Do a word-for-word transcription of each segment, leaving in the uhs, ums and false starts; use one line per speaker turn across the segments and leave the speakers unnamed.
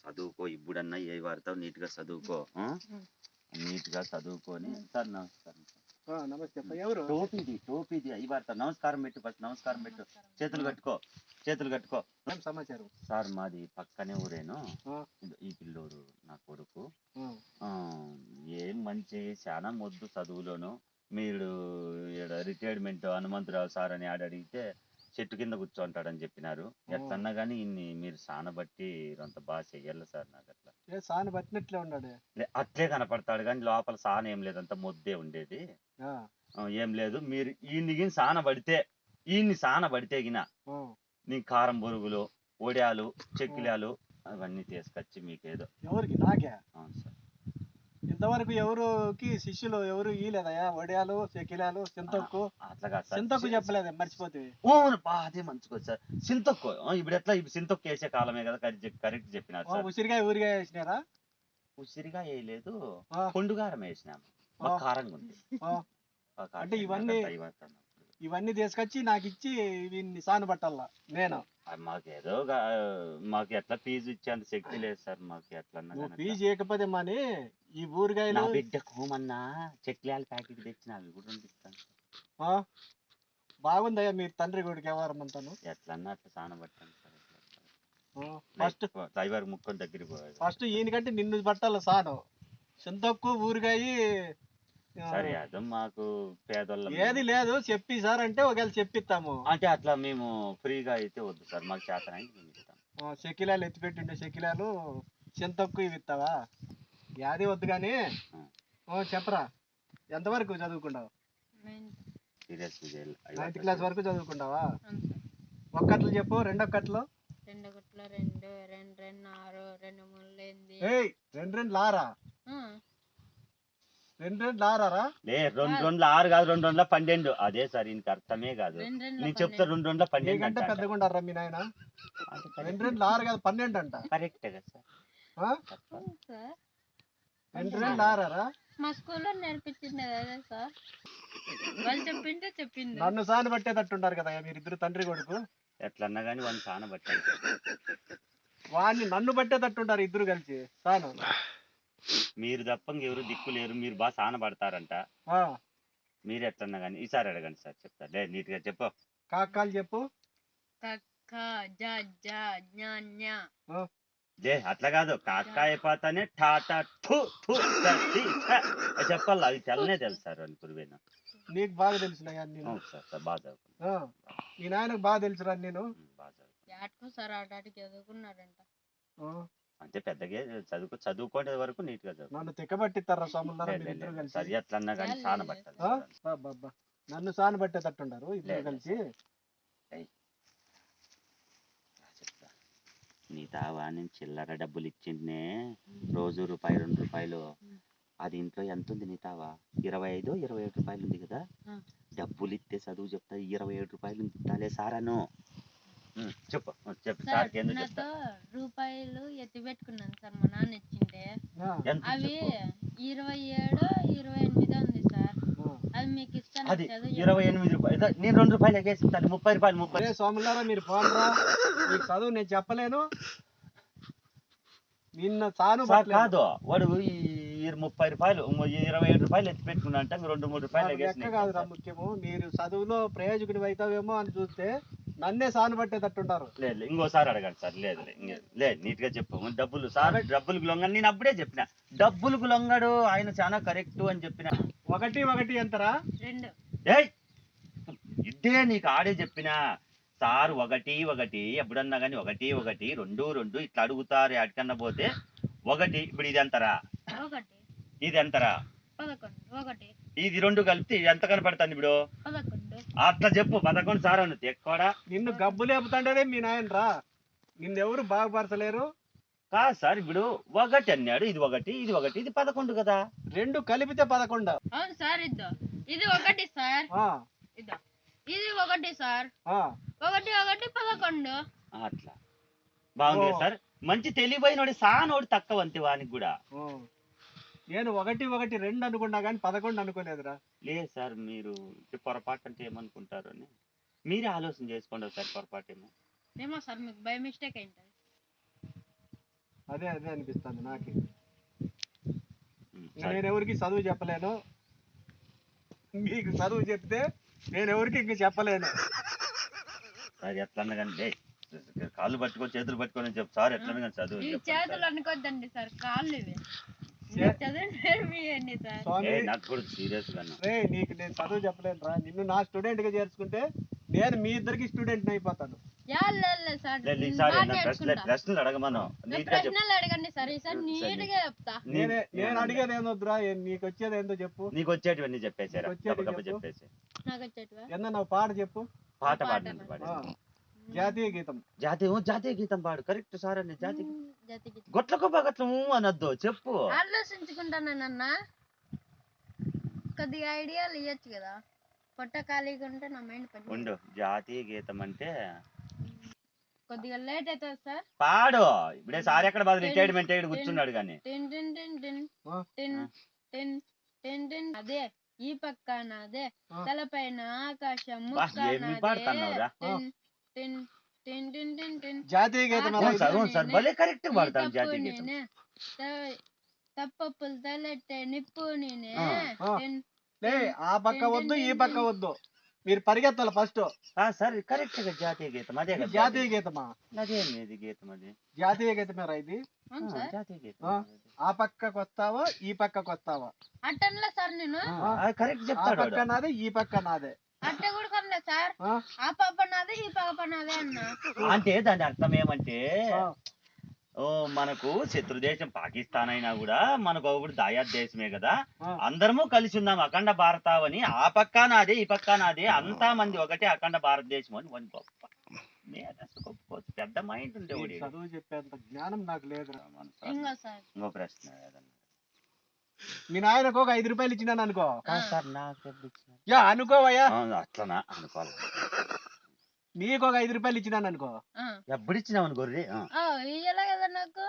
చదువుకో ఇప్పుడన్నా ఏ వాడతావు నీట్ గా చదువుకో నీట్ గా చదువుకొని సార్ నమస్కారం
నమస్తే ఎవరు
టోపీది టోపీది అవి వాడతావు నమస్కారం పెట్టు ఫస్ట్ నమస్కారం పెట్టు చేతులు కట్టుకో చేతులు కట్టుకో
సమాచారం సార్
మాది పక్కనే ఊరేను ఈ పిల్లోడు నా కొడుకు ఏం మంచి చాలా మొద్దు చదువులోను మీరు రిటైర్మెంట్ హనుమంతరావు సార్ అని ఆడ అడిగితే చెట్టు కింద కూర్చోంటాడని చెప్పినారు ఎట్లన్నా కానీ ఇన్ని మీరు సాన బట్టి అంత బాగా చెయ్యాలి సార్ నాకు అట్లా
సాన బట్టినట్లే ఉన్నాడు
అట్లే కనపడతాడు కానీ లోపల సాన ఏం లేదు అంత మొద్దే ఉండేది ఏం లేదు మీరు ఈయన్ని సాన పడితే ఈయన్ని సాన పడితే గిన నీ కారం బొరుగులు ఒడియాలు చెక్కిలాలు అవన్నీ తీసుకొచ్చి మీకేదో
ఎవరికి నాకే
అవును సార్
ఇంతవరకు ఎవరుకి శిష్యులు ఎవరు ఇయలేదయా వడియాలు చెక్కిలాలు సింతొక్కు
అట్లా
సింతొక్కు చెప్పలేదు మర్చిపోతుంది
అదే మంచిగా సార్ సింతొక్కు ఇప్పుడు ఎట్లా ఇప్పుడు సింతొక్కు వేసే కాలమే కదా కరెక్ట్ చెప్పినారు సార్
ఉసిరికాయ ఊరిగా వేసినారా
ఉసిరిగా వేయలేదు కొండుగారం వేసినాము కారంగా ఉంది
అంటే ఇవన్నీ ఇవన్నీ తీసుకొచ్చి నాకు ఇచ్చి వీన్ని సాను పట్టాలా నేను
మాకేదో మాకు ఎట్లా ఫీజు ఇచ్చేంత శక్తి లేదు సార్ మాకు ఎట్లా
ఫీజు చేయకపోతే మని ఈ ఊరికాయలు
బిడ్డకు మొన్న చెక్లాల ప్యాకెట్ తెచ్చిన అవి కూడా పంపిస్తాను
బాగుందయ్యా మీరు తండ్రి కొడుకు వ్యవహారం అంతాను
ఎట్లన్నా అట్లా సాన పట్టాను సార్
ఫస్ట్
డ్రైవర్ ముక్కొని దగ్గరికి పోయాడు
ఫస్ట్ ఈయనకంటే నిన్ను పట్టాలి సాను చింతొక్కు ఊరికాయ
సరే అదో మాకు పేదోళ్ళ
ఏది లేదు చెప్పి సార్ అంటే ఒకవేళ చెప్పిస్తాము
అంటే అట్లా మేము ఫ్రీగా అయితే వద్దు సార్ మాకు చేతనాయి మేము ఇస్తాం
షకిలాలు ఎత్తిపెట్టిండే షకిలాలు చింతొక్కు ఇవి ఇస్తావా యాది వద్దు కానీ చెప్పరా ఎంతవరకు చదువుకుంటావు నైన్త్ క్లాస్ వరకు చదువుకుంటావా ఒక్కట్లు చెప్పు రెండొక్కట్లు
రెండు రెండు రెండు రెండు ఆరు రెండు మూడు
రెండు రెండు లారా రెండు రెండు లారా
లే రెండు రెండు ఆరు కాదు రెండు రెండు పన్నెండు అదే సార్ ఇంక అర్థమే కాదు నేను చెప్తా రెండు రెండు పన్నెండు
అంటే పెద్దగా ఉండారా మీ నాయన రెండు రెండు ఆరు కాదు పన్నెండు అంట
కరెక్టే కదా
సార్
రెండు రెండు ఆరా
మా స్కూల్లో నేర్పించింది అదే సార్ వాళ్ళు చెప్పింటే చెప్పింది
నన్ను సాన పట్టేటట్టుంటారు కదా మీరిద్దరు తండ్రి కొడుకు
ఎట్లన్నా కానీ వాడిని సాన పట్టాలి
వాడిని నన్ను పట్టేటట్టుంటారు ఇద్దరు కలిసి సాను
మీరు తప్ప ఎవరు దిక్కు లేరు మీరు బాగా సాన పడతారంట మీరు ఎట్లన్నా కానీ ఈసారి అడగండి సార్ చెప్తా లే నీట్ గా చెప్పు
కాకాలు చెప్పు
లే అట్లా కాదు కాకా అయిపోతానే టాటా ఠూ ఠూ చెప్పాలి అవి తెల్లనే తెలుసు సార్ అని పురువేనా
నీకు బాగా తెలుసున్నాయా
సార్ సార్ బాగా
మీ నాయనకు బాగా తెలుసురా నేను
బాగా సార్ ఆటాటికి చదువుకున్నారంట
అంటే పెద్దగా చదువుకో చదువుకోనే వరకు నీట్ గా చదువు
నన్ను తిక్కబట్టిస్తారా సోములారా
సరి అట్లన్నా కానీ సాన పట్టాలి
నన్ను సాన పట్టేటట్టుంటారు ఇద్దరు కలిసి
నీ తావా నేను చిల్లర డబ్బులు ఇచ్చిండే రోజు రూపాయి రెండు రూపాయలు అది ఇంట్లో ఎంత ఉంది నీ తావా ఇరవై ఐదు ఇరవై ఏడు రూపాయలు ఉంది కదా డబ్బులు ఇస్తే చదువు చెప్తా ఇరవై ఏడు రూపాయలు ఇస్తాలే సారాను చెప్పు చెప్పు సార్
రూపాయలు ఎత్తి పెట్టుకున్నాను సార్ మా నాన్న ఇచ్చింటే అవి ఇరవై ఏడు ఇరవై ఎనిమిది ఉంది సార్ అది మీకు ఇస్తాను
అది ఇరవై ఎనిమిది రూపాయలు నేను రెండు రూపాయలు ఎగేస్తాను ముప్పై రూపాయలు ముప్పై
సోమలారా మీరు పోనరా మీకు చదువు నేను చెప్పలేను నిన్న సాను
కాదు వాడు ముప్పై రూపాయలు ఇరవై ఏడు రూపాయలు ఎత్తి పెట్టుకున్నా అంటే రెండు మూడు రూపాయలు
లెక్క కాదురా ముఖ్యము మీరు చదువులో ప్రయోజకుడి అవుతావేమో అని చూస్తే నన్నే సాను పట్టేటట్టుంటారు
లేదు ఇంకోసారి అడగండి సార్ లేదు లేదు నీట్ గా చెప్పు డబ్బులు సార్ డబ్బులకు లొంగ నేను అప్పుడే చెప్పిన డబ్బులకు లొంగడు ఆయన చాలా కరెక్ట్ అని చెప్పిన
ఒకటి ఒకటి ఎంతరా
రెండు
ఏయ్ ఇదే నీకు ఆడే చెప్పిన సార్ ఒకటి ఒకటి ఎప్పుడన్నా కానీ ఒకటి ఒకటి రెండు రెండు ఇట్లా అడుగుతారు అడికన్నా పోతే ఒకటి ఇప్పుడు ఇది ఎంతరా ఇది ఎంతరా
ఒకటి
ఇది రెండు కలిపి ఎంత కనపడుతుంది ఇప్పుడు అట్లా చెప్పు పదకొండు సార్ అను ఎక్కువడా
నిన్ను గబ్బు లేపుతాండే మీ నాయన రా నిన్నెవరు బాగుపరచలేరు
కాదు సార్ ఇప్పుడు ఒకటి అన్నాడు ఇది ఒకటి ఇది ఒకటి ఇది పదకొండు కదా
రెండు కలిపితే పదకొండు
అవును సార్ ఇద్దో ఇది ఒకటి సార్ ఇద్దో ఇది ఒకటి సార్ ఒకటి ఒకటి పదకొండు
అట్లా బాగుంది సార్ మంచి తెలివైనోడి సానోడి తక్కువ అంతే వానికి కూడా
నేను ఒకటి ఒకటి రెండు అనుకున్నా కానీ పదకొండు అనుకోలేదురా
లేదు సార్ మీరు పొరపాటు అంటే ఏమనుకుంటారు అని మీరే ఆలోచన చేసుకోండి సార్ పొరపాటు ఏమో
ఏమో సార్ మీకు బై మిస్టేక్ అయింది
అదే అదే అనిపిస్తుంది నాకు.
ఉమ్,
ఇంకా
సరే.
నేను ఎవరికి చదువు చెప్పలేను, మీకు చదువు చెప్తే నేను ఎవరికి ఇంక చెప్పలేను.
సార్ ఎట్లన్నా కానీ డేయ్, కాళ్ళు పట్టుకొని చేతులు పట్టుకొని అని చెప్పు సార్, ఎట్లన్నా కానీ చదువు
ఈ
చెప్పండి
చేతులు
సార్.
అనుకోద్దండి సార్, కాళ్ళు ఇవి.
చే-
చదువు నేర్పియండి సార్.
స్వామి
ఏ నాకు కూడా సీరియస్ గా
రే నీకు నేను చదువు చెప్పలేను రా, నిన్ను నా స్టూడెంట్ గా చేర్చుకుంటే నేను మీ ఇద్దరికి స్టూడెంట్ అయిపోతాను.
యాళ్ళ సార్,
ఈసారి
బాగా
ప్రశ్నలు
నేర్చుకుంటా.
ప్రశ్నలు అడగమను
నా
నీట్ గా చెప్పు.
ప్రశ్నలు అడగండి సార్, ఈసారి నీట్ గా చెప్తా.
నేనే
నీ-
నేను అడిగేది ఏందొద్దురా, ఏ- నీకు వచ్చేది ఏందో చెప్పు.
నీకు వచ్చేటివన్నీ చెప్పేసారా,
నీకు వచ్చేటి
గబ గబ
చెప్పు.
చెప్పేసి.
నాకు వచ్చేటివా?
ఎన్న నువ్వు పాట చెప్పు.
పాట
పాట
పాడినండి
పాడు.
పాడి.
ఆ, జాతీయ గీతం.
జాతీయ జాతీయ గీతం పాడు, కరెక్ట్ సార్ అండి. జాతీయ గీతం.
జాతి గీతం.
గొట్లకు బాగట్లము అనొద్దు, చెప్పు.
ఆలోచించుకుంటానన్నా, కొద్దిగా ఐడియాలు ఇవ్వచ్చు కదా. పొట్ట ఖాళీగా ఉంటే నా మైండ్ పని
ఉండు, జాతీయ గీతం అంటే
కొద్దిగా లేట్ అవుతుంది సార్.
పాడు. ఇప్పుడే సార్ ఎక్కడ బాధ రిటైర్మెంట్ అయ్యి కూర్చున్నాడు కానీ.
టిన్ టిన్ టిన్ టిన్
ఆ,
టిన్
ఆ.
టిన్ టిన్ టిన్. అదే ఈ పక్క నాదే,
ఆ.
తలపైన ఆకాశం
బా,
ముక్క
ఏమి
నాదే.
పాడుతున్నావురా?
టిన్ టిన్ టిన్ టిన్ టిన్ టిన్.
జాతీయ గీతం ఎలా
అవును
ఇది?
సార్, అవును సార్, భలే కరెక్ట్
ఈ
పాడతాను
తప్పు
జాతీయ గీతం.
నేనే, త- తప్పప్పులు తలెట్టే నిప్పు నేనే.
ఆ.
ఆ.
టిన్
లే ఆ పక్క వద్దు ఈ పక్క వద్దు, మీరు పరిగెత్తాలి ఫస్ట్.
ఆ, సరే కరెక్ట్ గా జాతీయ గీతం అదే కదా.
జాతీయ గీతమా?
అదే ఇది గీతం అది.
జాతీయ గీతమేరా ఇది?
అవును
ఆ,
సార్.
జాతీయ గీతం.
ఆ. ఆ పక్కకు వస్తావా ఈ పక్కకు వస్తావా?
అట్టన్లే సార్ నేను,
ఆ, అది కరెక్ట్
ఆ
చెప్తాడు
పక్క
వాడు.
నాదే ఈ పక్క నాదే.
అట్ట కూడా కొనలే సార్.
ఆ?
ఆ పాప నాదే ఈ పాప నాదే అన్న.
అంటే దాని అర్థం ఏమంటే,
ఆ.
ఓ మనకు శత్రు దేశం పాకిస్తాన్ అయినా కూడా మనకు ఒకటి దాయాద్ దేశమే కదా,
ఆ.
అందరము కలిసి ఉన్నాం అఖండ భారతావని. ఆ పక్క నాదే ఈ పక్క నాదే, అంతా మంది ఒకటే అఖండ భారతదేశం అని వన్ గొప్ప మేధస్సు, గొప్ప పెద్ద మైండ్
ఈ
ఉండేవాడు.
చదువు చెప్పేంత జ్ఞానం నాకు లేదురా.
ఇంకో సార్,
ఇంకో ప్రశ్న ఏదన్నా.
మీ నాయనకు ఒక ఐదు రూపాయలు ఇచ్చినాను అనుకో.
కాదు సార్, నాకు ఎప్పుడు ఇచ్చినారు?
యా అనుకోవయ్యా,
ఆ, అట్లనా అనుకోవాలి.
నీకు ఒక ఐదు రూపాయలు ఇచ్చినాను అనుకో.
ఆ.
ఎప్పుడు ఇచ్చినావు అని గొర్రె? ఆ.
ఆ, ఇయ్యాల కదా నాకు.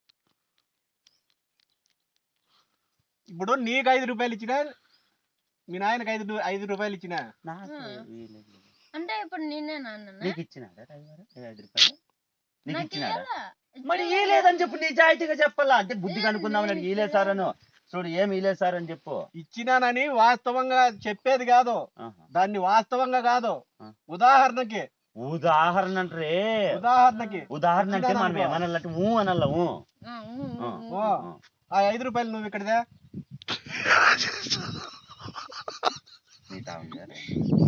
ఇప్పుడు నీకు ఐదు రూపాయలు ఇచ్చినా, మీ నాయనకు ఐదు రూ- ఐదు రూపాయలు ఇచ్చినా,
నాకు
ఆ.
వీలేదు.
అంటే ఇప్పుడు నేనే నాన్న,
నీకు ఇచ్చినాడా రవివారం? ఐదు రూపాయలు నీకు
నాకు
ఇచ్చినాడా?
ఇయ్యాల.
మరి ఈ లేదని చెప్పు, నిజాయితీగా చెప్పాలా. అంటే బుద్ధి కనుక్కుందామని ఈలే సార్ అను. చూడు ఏమి ఈలే సార్ అని చెప్పు.
ఇచ్చినానని వాస్తవంగా చెప్పేది కాదు,
ఆహా.
దాన్ని వాస్తవంగా కాదు,
ఆ.
ఉదాహరణకి.
ఉదాహరణ అంటే
ఉదాహరణకి
ఉదాహరణ అంటే
ఇచ్చినాను
మనం
అనుకో.
ఏమనాలంటే ఊ అనల్లా ఊ.
ఆ, ఊ, ఊ,
ఆ.
ఊ.
ఓ,
ఆ.
ఆ ఐదు రూపాయలు నువ్వు ఇక్కడదే.
మిగతా ఉంది కదా.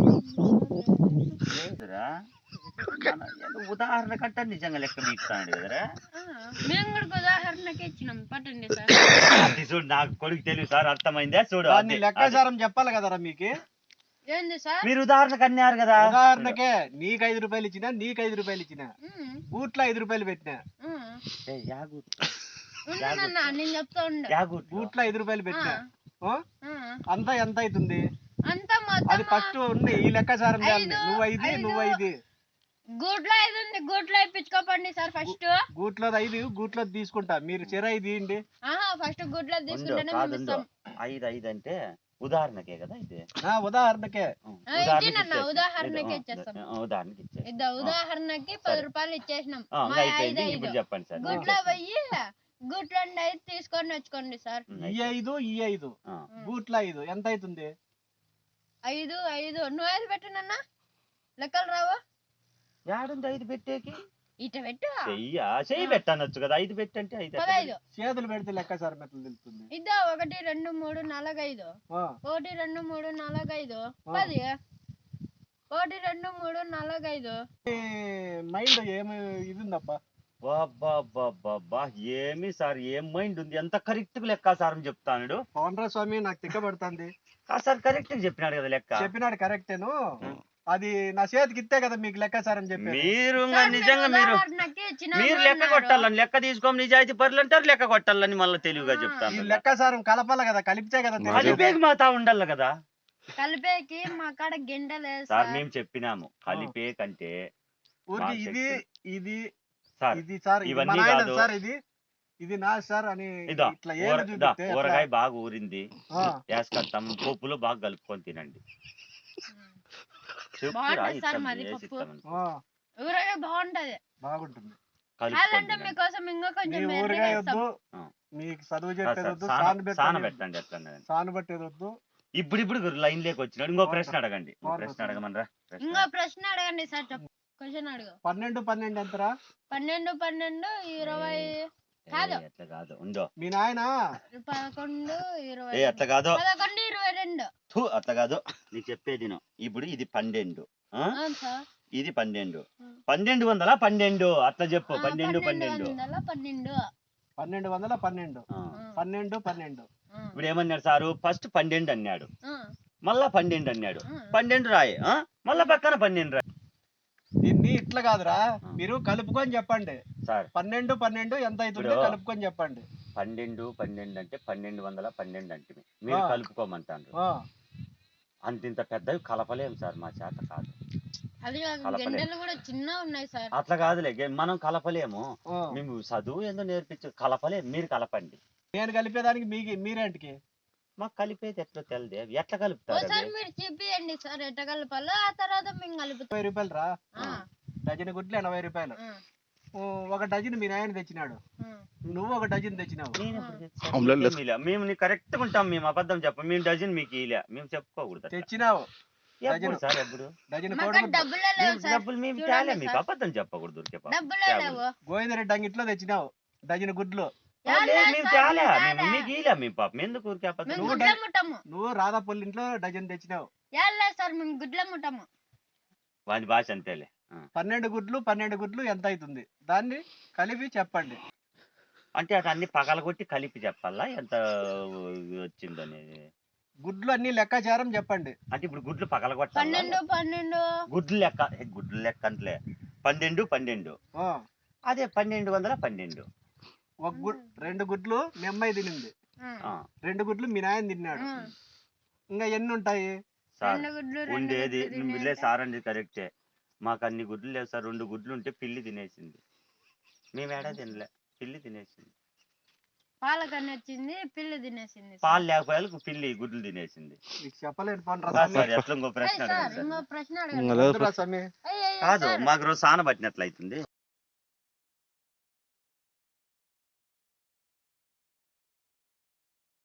లేదురా, మన ఏదో ఉదాహరణ కంటే నిజంగా లెక్క మీకుతాడు కదరా.
ఆ, మేము కూడా ఉదాహరణకి ఇచ్చినాం, పట్టండి సార్.
అది చూడు, నాకు కొడుకు తెలియదు సార్, అర్థమైందా? చూడు
దాన్ని
అది-
లెక్కాచారం చెప్పాలి కదరా మీకు.
ఏంది సార్?
మీరు ఉదాహరణకు అన్నారు కదా.
ఉదాహరణకే నీకు ఐదు రూపాయలు ఇచ్చినా, నీకు ఐదు రూపాయలు ఇచ్చినా,
ఉమ్,
బూట్లో ఐదు రూపాయలు పెట్టినా,
ఉమ్.
ఏయ్, యా గూట్
ఉండు నాన్న, నేను చెప్తా ఉండు.
యా గూట్
బూట్లో ఐదు రూపాయలు పెట్టినా, ఓ,
ఆ,
అంతా ఎంత అవుతుంది?
అంతా మొత్తం
అది ఫస్ట్ ఉంది ఈ లెక్కాచారం చేయాలి.
ఐదు,
నువ్వు ఐదు
ఐదు.
నువ్వు ఐదు
గూట్లో ఐదు ఉంది, గూట్లో ఇప్పించుకోపండి సార్ ఫస్ట్.
గూట్లో ఐదు గూట్లో తీసుకుంటా, మీరు చెర ఐదు ఇవ్వండి.
ఆహా, ఫస్ట్ గూట్లో
ఉండు,
తీసుకుంటేనే మేము
కాదుండు.
ఇస్తాం.
ఐదు ఐదు అంటే ఉదాహరణకే కదా ఇది.
ఆ, ఉదాహరణకే.
ఆ,
ఆ,
ఉదాహరణకి
ఇచ్చేనన్న,
ఇచ్చేసి.
ఉదాహరణకి
ఆ,
ఇచ్చేస్తాం.
ఆ, ఉదాహరణకి ఇచ్చేసి.
ఇద్దా, ఉదాహరణకి పది రూపాయలు ఇచ్చేసినాం.
ఆ,
మా
ఇంకా
ఐదు
అయిపోయింది.
ఐదు
ఇప్పుడు చెప్పండి సార్.
గుడ్లో పోయి గుడ్లో ఐదు తీసుకొని వచ్చుకోండి సార్.
ఉమ్,
ఈ
అయిపోయింది.
ఐదు ఈ ఐదు
ఆ,
గూట్లో ఐదు ఎంత అవుతుంది?
ఐదు ఐదు నువ్వు ఐదు పెట్టినన్న లెక్కలు రావు.
యాడుంది ఐదు పెట్టేకి?
ఇట పెట్టు.
చెయ్యా చెయ్యి పెట్టనొచ్చు కదా, ఐదు పెట్టంటే ఐదు ఎట్లా
పదైదు
చేతులు పెడితే లెక్కాచారం ఎట్లా తెలుస్తుంది?
ఇద్దా, ఒకటి రెండు మూడు నాలుగు ఐదు,
ఆ,
ఒకటి రెండు మూడు నాలుగు ఐదు
ఆ.
పది, ఒకటి రెండు మూడు నాలుగు ఐదు.
ఈ మైండ్ ఏమి ఇది ఉందప్పా.
బాబా, ఏమి సార్, ఏం మైండ్ ఉంది, ఎంత కరెక్ట్ గా లెక్కాసారం చెప్తాడు.
పవన్ రాజ్ స్వామి నాకు తిక్కబడుతుంది.
సార్ కరెక్ట్ గా చెప్పినాడు కదా లెక్క.
చెప్పినాడు కరెక్టేను, అది నా చేతికి ఇస్తే కదా మీకు లెక్కాచారం చెప్పి.
మీరు ఇంకా
సార్,
నిజంగా
మీరు
మీరు
ఉదాహరణకి ఇచ్చినాము
మీరు లెక్క
అన్నారు.
కొట్టాలని, లెక్క తీసుకోమని నిజాయితీ పరులు అంటారు, లెక్క కొట్టాలని మళ్ళీ తెలివిగా
ఆ.
ఈ
చెప్తాను.
లెక్కాచారం కలపాలి కదా, కలిపితే కదా తెలిసేది.
కలిపేకి మాతా ఉండాలి కదా
కలిపేకి మా కాడ గిండ లేదు
సార్.
సార్.
మేము చెప్పినాము కలిపే కంటే
ఊరికి
మా
ఇది
శక్తి.
ఇది
సార్
ఇది సార్, ఇది
ఇవన్నీ
మా నాయన
కాదు.
సార్, ఇది ఇది నా సార్ అని
ఇదో
ఇట్లా
ఊర-
ఏమి
దా,
చూపిస్తే ఎట్లా?
ఊరగాయ బాగా ఊరింది,
ఆ,
వేసుకొస్తాం, పప్పులు బాగా కలుపుకొని తినండి. చెప్పురా,
బాగుంటది సార్
ఇస్తాం,
మాది
వేసి
పప్పు.
ఇస్తామని.
ఆ,
ఊరగా బాగుంటది.
బాగుంటుంది.
కావాలంటే మీకోసం ఇంకా
మీ
కొంచెం
ఊరగాయ
మెల్లగా
వద్దు,
ఆ.
మీకు చదువు చెప్పేది వద్దు,
సాన
సాను
సాన
పెట్టేది
పెట్టండి ఎట్లా
సాను పెట్టేది వద్దు.
ఇప్పుడు ఇప్పుడు లైన్ లేకి వచ్చినాడు. ఇంకో
అవును
ప్రశ్న
సార్.
అడగండి. ఇంకో
అవును
ప్రశ్న
సార్.
అడగమనరా. ప్రశ్న
ఇంకో ప్రశ్న అడగండి సార్. చెప్పు క్వశ్చన్ అడుగు.
పన్నెండు పన్నెండు ఎంతరా?
పన్నెండు పన్నెండు ఇరవై
ఏ,
కాదు
అట్లా కాదు ఉందో.
మీ నాయన
పదకొండు ఇరవై
ఏ అట్లా కాదు.
పదకొండు ఇరవై రెండు.
థు, అట్లా కాదు. నీకు చెప్పేది విను. ఇప్పుడు ఇది పన్నెండు, ఆ?
అవును సార్.
ఇది పన్నెండు.
ఉం.
పన్నెండు వందల పన్నెండు అట్లా చెప్పు.
ఆ,
పన్నెండు
పన్నెండు
పన్నెండు
వందల పన్నెండు.
పన్నెండు వందల పన్నెండు
ఆ.
ఉం.
పన్నెండు పన్నెండు
ఉం.
ఇప్పుడు ఏమన్నాడు సారు? ఫస్ట్ పన్నెండు అన్నాడు,
ఉం.
మళ్ళా పన్నెండు అన్నాడు.
ఉం.
పన్నెండు రాయి, ఆ? మళ్ళా పక్కన పన్నెండు రాయి.
దీన్ని ఇట్లా కాదురా,
ఆ.
మీరు కలుపుకొని చెప్పండి.
సార్
పన్నెండు పన్నెండు ఎంత అవుతుందో
ఇప్పుడు
కలుపుకొని చెప్పండి.
పన్నెండు పన్నెండు అంటే పన్నెండు వందల పన్నెండు అంటే మీరు
ఆ.
కలుపుకోమంటారు.
ఆ,
అంతింత పెద్దవి కలపలేం సార్, మా చేత కాదు.
అది కాక
కలపలేం.
గంటలు కూడా చిన్న ఉన్నాయి సార్.
అట్లా కాదులే, గే- మనం కలపలేము.
ఆ.
మేము చదువు ఏందో నేర్పించు, కలపలేం. మీరు కలపండి.
నేను కలిపేదానికి మీకు మీరేంటికి?
మాకు కలిపేది ఎట్లా తెలియదే. ఎట్లా కలుపుతారు
ఒకసారి
అవి?
మీరు చెప్పియండి సార్ ఎట్ట కలపాలో, ఆ తర్వాత మేము కలుపుతాం.
ముప్పై రూపాయలు రా,
ఆ,
డజన్ గుడ్లు ఎనభై రూపాయలు.
ఆ,
ఓ, ఒక డజన్ మీ నాయన తెచ్చినాడు,
ఆ.
నువ్వు ఒక డజన్ తెచ్చినావు.
నేను ఎప్పుడు తెచ్చాను? మీకేం ఇలే. మేము నీ కరెక్ట్ గా ఉంటాం. మేము అబద్ధం చెప్పం. మేము డజన్ మీకు ఇలే, మేము చెప్పుకోకూడదు అట్లా.
తెచ్చినావు
ఎప్పుడు
డజను.
సార్ ఎప్పుడు?
డజన్
మాకు
కోడిగుడ్లు
డబ్బులే లేవు
మేము
సార్.
డబ్బులు మేము
చూడండి
తేలే, మీకు
సార్.
అబద్ధం చెప్పకూడదు. ఊరికే పాపం.
డబ్బులే
తేకూడదు.
లేవు.
గోవిందరెడ్డి అంగిట్లో తెచ్చినావు డజన్ గుడ్లు.
ఆ, లేదు, మేము
సార్,
తేలే.
మేము
మేము
తేలే.
మీకు ఇలే. మేము పాపం ఎందుకు ఊరికే అబద్ధం?
మేము
నువ్వు
గుడ్ల
డై-
ముట్టము.
నువ్వు రాధాపల్లి ఇంట్లో డజన్ తెచ్చినావు.
యాళ్ళే సార్ మేము గుడ్ల ముట్టము.
వాడి భాష అంతేలే. ఆ.
పన్నెండు గుడ్లు పన్నెండు గుడ్లు ఎంత అవుతుంది దాన్ని కలిపి చెప్పండి.
అంటే అటు అన్ని పగలగొట్టి కలిపి చెప్పాలా ఎంత వచ్చింది అనేది?
గుడ్లు అన్ని లెక్కాచారం చెప్పండి.
అంటే ఇప్పుడు గుడ్లు పగలగొట్టాలా?
పన్నెండు పన్నెండు
గుడ్లు లెక్క ఏ, గుడ్లు లెక్క అంతలే. పన్నెండు పన్నెండు
ఆ,
అదే పన్నెండు వందల పన్నెండు.
ఒక గుడ్ రెండు గుడ్లు మీ అమ్మాయి తినింది,
ఆ,
ఆ,
రెండు గుడ్లు మీ నాయన తిన్నాడు.
ఆ.
ఇంకా ఎన్ని ఉంటాయి?
సార్
రెండు గుడ్లు రెండు
ఉండేది
గుడ్లు
నువ్వు
తినేది.
లే సార్ అండి కరెక్టే. మాకు అన్ని గుడ్లు లేవు సార్. రెండు గుడ్లు ఉంటే పిల్లి తినేసింది. మేము ఏడా తినలే, పిల్లి తినేసింది.
పాలకన్ను వచ్చింది, పిల్లి తినేసింది సార్.
పాలు లేకపోయాలకు పిల్లి గుడ్లు తినేసింది.
మీకు చెప్పలేను పోను రా
కాదు
స్వామి.
సార్, ఎట్లా ఇంకో
ఏయ్
ప్రశ్న
సార్
అడగండి
ఇంకో
సార్.
ప్రశ్న అడగండి.
వద్దురా స్వామి.
ఏయ్, ఏయ్,
కాదు
సార్.
మాకు రోజు సాన పట్టినట్లు అవుతుంది.